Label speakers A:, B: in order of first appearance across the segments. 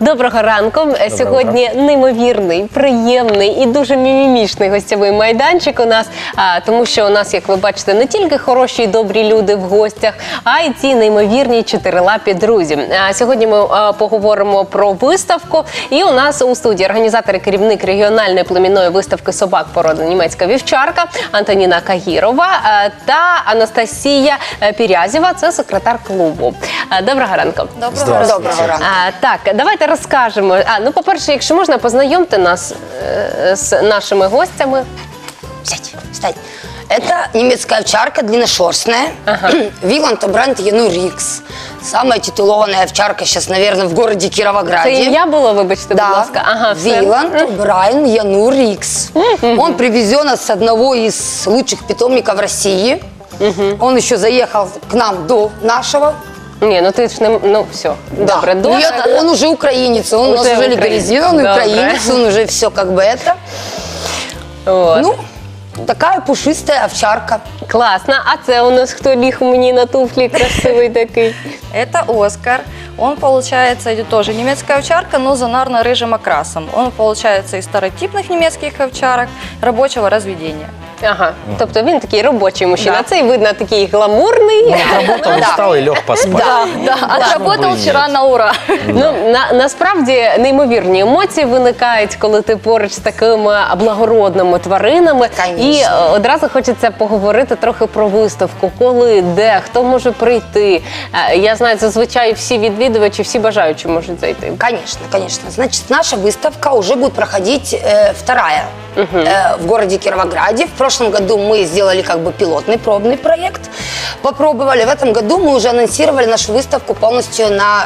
A: Доброго ранку. Сьогодні неймовірний, приємний і дуже мімімішний гостєвий майданчик у нас, тому що у нас, як ви бачите, не тільки хороші і добрі люди в гостях, а й ці неймовірні чотирилапі друзі. Сьогодні ми поговоримо про виставку, і у нас у студії організатор і керівник регіональної племінної виставки собак породи німецька вівчарка Антоніна Кагірова та Анастасія Пірязєва, це секретар клубу. Доброго ранку.
B: Доброго ранку.
A: Так, давайте розкажемо. Ну, по-перше, якщо можна, познайомте нас з нашими гостями.
B: Сядь, встань. Это немецкая овчарка, длинношерстная. Виланд, бренд Янур Рикс. Самая титулованная овчарка сейчас, наверное, в городе Кировограде.
A: Це ім'я було, вибачте, будь ласка. Ага,
B: Виланд Брайан Янур Рикс. Он привезен с одного из лучших питомников России. Он еще заехал к нам до нашего.
A: Ні, ну ти ж не... Ну, все, добре.
B: Да. Нет, он уже украинец, он у нас уже легализирован, украинец, он уже все как бы это.
A: Вот.
B: Ну, такая пушистая овчарка.
A: Класно. А це у нас хто ліг мені на туфлі красивий такий?
C: Это Оскар. Он, получается, идет тоже немецкая овчарка, но зонарно-рыжим окрасом. Он, получается, из старотипных немецких овчарок рабочего разведения.
A: Ага, тобто він такий робочий мужчина.
C: Да.
A: Цей, видно, такий гламурний.
D: Отработал, устал и лег поспать.
C: Да, отработал вчера на ура.
A: Ну, насправді неймовірні емоції виникають, коли ти поруч з такими благородними тваринами.
B: Конечно.
A: І одразу хочеться поговорити трохи про виставку. Коли, де, хто може прийти. Я знаю, зазвичай всі відвідувачі, всі бажаючі можуть зайти.
B: Конечно, конечно. Значит, наша выставка уже будет проходить вторая в городе Кировограде. В прошлом году мы сделали как бы пилотный, пробный проект, попробовали. В этом году мы уже анонсировали нашу выставку полностью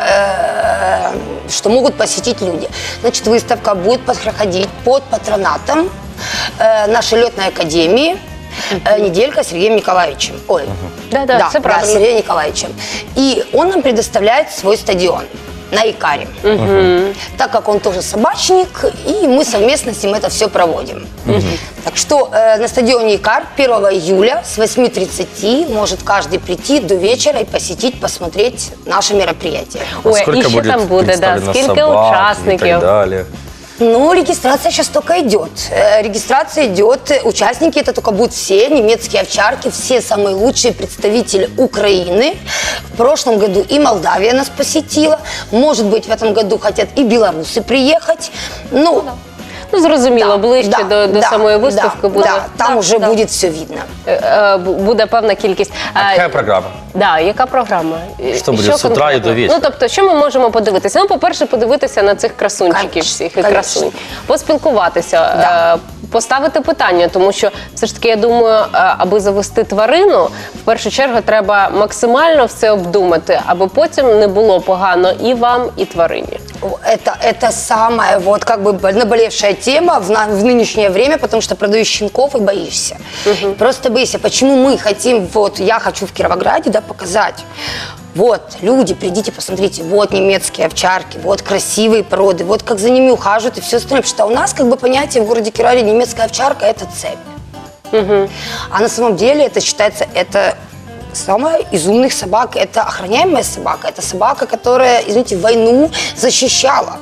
B: что могут посетить люди. Значит, выставка будет проходить под патронатом нашей летной академии «Неделька» с Сергеем Николаевичем. Ой,
A: Да, все правильно.
B: Сергеем Николаевичем. И он нам предоставляет свой стадион на Икаре. Так как он тоже собачник, и мы совместно с ним это все проводим. Так что на стадионе Икар 1 июля с 8:30 может каждый прийти до вечера и посетить, посмотреть наше мероприятие.
A: Ой,
D: Сколько
A: і що
D: будет
A: там буде,
D: представлено
A: скільки
D: собак
A: учасників?
D: и так далее.
B: Ну, регистрация сейчас только идет. Регистрация идет, участники это только будут все немецкие овчарки, все самые лучшие представители Украины. В прошлом году и Молдавия нас посетила. Может быть, в этом году хотят и белорусы приехать. Ну,
A: Ну, зрозуміло, ближче до самої виставки буде.
B: Да, там уже будет все видно.
A: Буде певна кількість.
D: Какая программа?
A: Да, яка програма?
D: Що буде з утра і до вечора?
A: Ну, тобто, що ми можемо подивитися? Ну, по-перше, подивитися на цих красунчиків
B: Конечно,
A: всіх і
B: конечно.
A: красунь. Поспілкуватися, поставити питання, тому що все ж таки, я думаю, аби завести тварину, в першу чергу треба максимально все обдумати, аби потім не було погано і вам, і тварині.
B: Это самая вот как бы наболевшая тема в нынешнее время, потому что продаешь щенков и боишься. Просто боишься. Почему мы хотим, вот я хочу в Кировограде, да, показать. Вот, люди, придите, посмотрите, вот немецкие овчарки, вот красивые породы, вот как за ними ухаживают и все остальное. Потому что у нас как бы понятие в городе Кировограде немецкая овчарка – это цепь. А на самом деле это считается, это самая из умных собак, это охраняемая собака, это собака, которая, извините, войну защищала.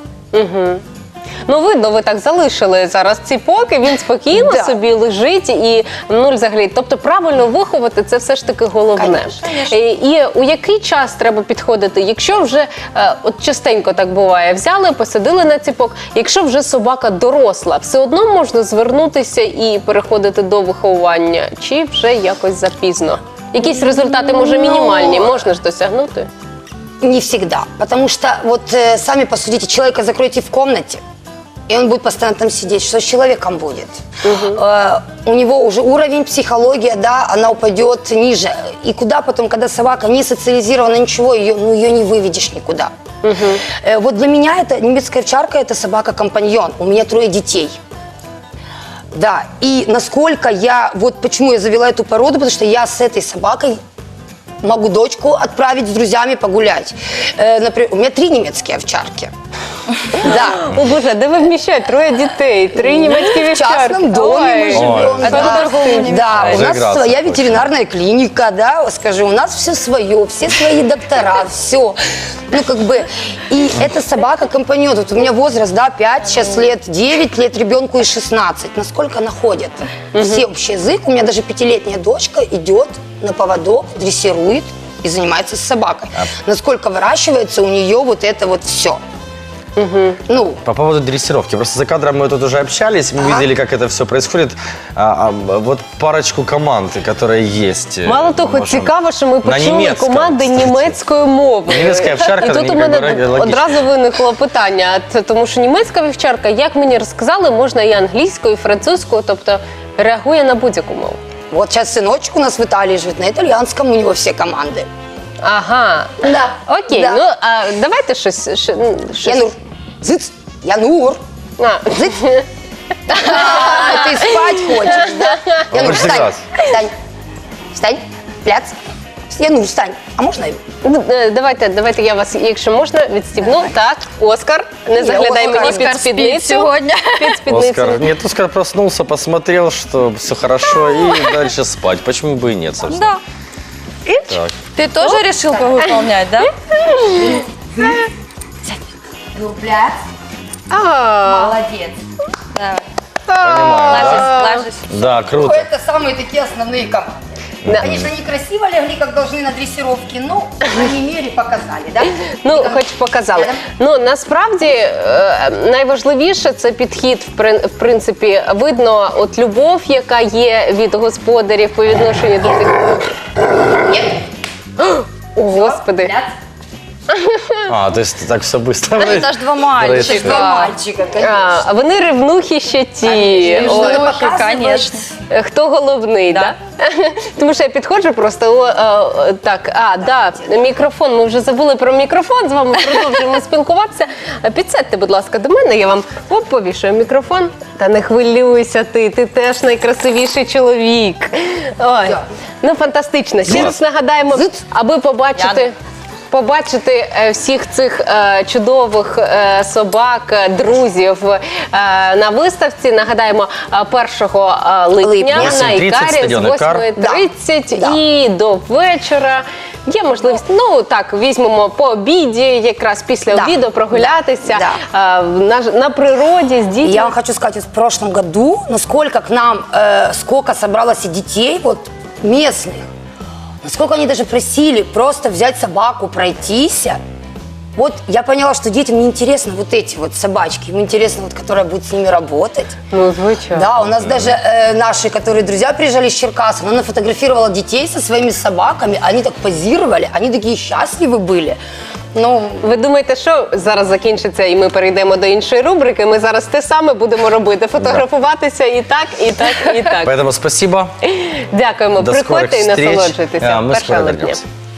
A: Ну, видно, ви так залишили зараз ціпок, і він спокійно собі лежить і нуль взагалі. Тобто правильно виховати – це все ж таки головне.
B: Конечно.
A: І у який час треба підходити? Якщо вже, от частенько так буває, взяли, посадили на ціпок, якщо вже собака доросла, все одно можна звернутися і переходити до виховування? Чи вже якось запізно? Якісь результати, може, мінімальні, можна ж досягнути?
B: Не всегда. Потому что, вот сами посудите, человека закройте в комнате, и он будет постоянно там сидеть. Что с человеком будет? У него уже уровень психологии, да, она упадет ниже. И куда потом, когда собака не социализирована, ничего, ее не выведешь никуда. Вот для меня это немецкая овчарка, это собака-компаньон. У меня 3 детей. Да, и насколько вот почему я завела эту породу, потому что я с этой собакой могу дочку отправить с друзьями погулять. Например, у меня 3 немецкие овчарки. Да.
A: О Боже, де ви вміщаєте? 3 дітей, 3 німецькі
B: В
A: вівчарки.
B: частном доме мы
A: Ой.
B: живем.
D: Ой.
B: Да. Да, у нас
D: Заиграться
B: своя
D: хочется.
B: ветеринарная клиника, да, скажи, у нас все свое, все свои доктора, все. Ну, как бы, и эта собака-компаньон, вот у меня возраст, да, 5, сейчас лет, 9 лет, ребенку и 16. Насколько она ходит? Все общий язык. У меня даже 5-летняя дочка идет на поводок, дрессирует и занимается с собакой. Насколько выращивается у нее вот это вот все. Ну,
D: По поводу дрессировки. Просто за кадром мы тут уже общались, мы видели, как это все происходит. Вот парочку команд, которые есть.
A: Мало того,
D: можем-
A: цікаво, що ми
D: На
A: почули
D: німецькому,
A: команди
D: кстати.
A: німецької мови.
D: Німецька вівчарка,
A: І тут у
D: ну,
A: мене
D: якби, логічно.
A: одразу виникло питання, тому що німецька вівчарка, як мені розказали, можна і англійською, і французькою, тобто реагує на будь-яку мову.
B: вот сейчас сыночек у нас в Италии живет, на итальянском у него все команды.
A: Ага.
B: Да.
A: Окей,
B: Да.
A: ну а давайте щось.
B: Янур, зыц, Янур,
A: А.
B: зыц. Ты спать хочешь, да? Янур,
D: хочется
B: встань,
D: играть.
B: встань, встань, пляц. Янур, встань. А можно я?
A: Ну, давайте я вас, якщо можна, відстібну. Так, Оскар, не заглядай
B: Оскар.
A: мені
C: Оскар
A: під
C: спить
A: спідницю.
C: сьогодні.
A: Під спідницю.
D: Оскар, нет, Оскар проснулся, посмотрел, что все хорошо, и дальше спать. Почему бы и нет, собственно.
C: Да.
D: Так.
C: Ты тоже решил повыполнять, да?
B: Ну, пляц. Молодец.
C: Давай.
D: Понимаю, да?
C: Ложись.
D: Да, круто.
B: Это самые такие основные команды.
A: Да.
B: Конечно, некрасиво легли, как должны на дрессировке, но, по крайней мере, показали, да?
A: Ну, хоч показали. Ну, насправді, найважливіше – це підхід, в принципі, видно, от любов, яка є від господарів по відношенню до тих.
B: Нет?
A: О, Господи.
B: Пляц.
D: А, то есть так все быстро.
C: Ну, это ж два
B: Два
C: мальчика.
B: мальчика, конечно.
A: А вони ревнухи ще ті.
B: Конечно,
A: Ой,
B: надо показывать.
C: конечно.
A: Хто головний, да? Тому що я підходжу просто, так, мікрофон, ми вже забули про мікрофон, з вами продовжуємо спілкуватися. Підсядьте, будь ласка, до мене, я вам повішую мікрофон. Та не хвилюйся ти теж найкрасивіший чоловік. Ой, ну фантастично. Ще раз нагадаємо, аби побачити всіх цих чудових собак, друзів на виставці. Нагадаємо, 1 липня на
D: 8:30
A: Ікарі з
D: стадіон Ікар.
A: 8:30
B: Да.
A: і до вечора. Є можливість, ну так, візьмемо по обіді, якраз після
B: Да.
A: обіду прогулятися
B: Да.
A: на природі з дітьми.
B: Я вам хочу сказать, вот в прошлом году, насколько к нам, сколько собралось и детей, вот местных, насколько они даже просили просто взять собаку, пройтись. Вот я поняла, что детям не интересно вот эти вот собачки, им интересно вот, которая будет с ними работать.
A: Ну, звичайно.
B: Да, у нас даже наши, которые друзья приезжали из Черкас, она нафотографировала детей со своими собаками, они так позировали, они такие счастливы были. Ну,
A: Ви думаєте, що зараз закінчиться і ми перейдемо до іншої рубрики? Ми зараз те саме будемо робити, фотографуватися і так, і так, і так.
D: Поэтому спасибо.
A: Дякуємо.
D: До
A: Приходьте і
D: скорих встреч.
A: насолоджуйтеся.
D: Мы
A: Перша
D: скоро
A: липня.
D: вернемся.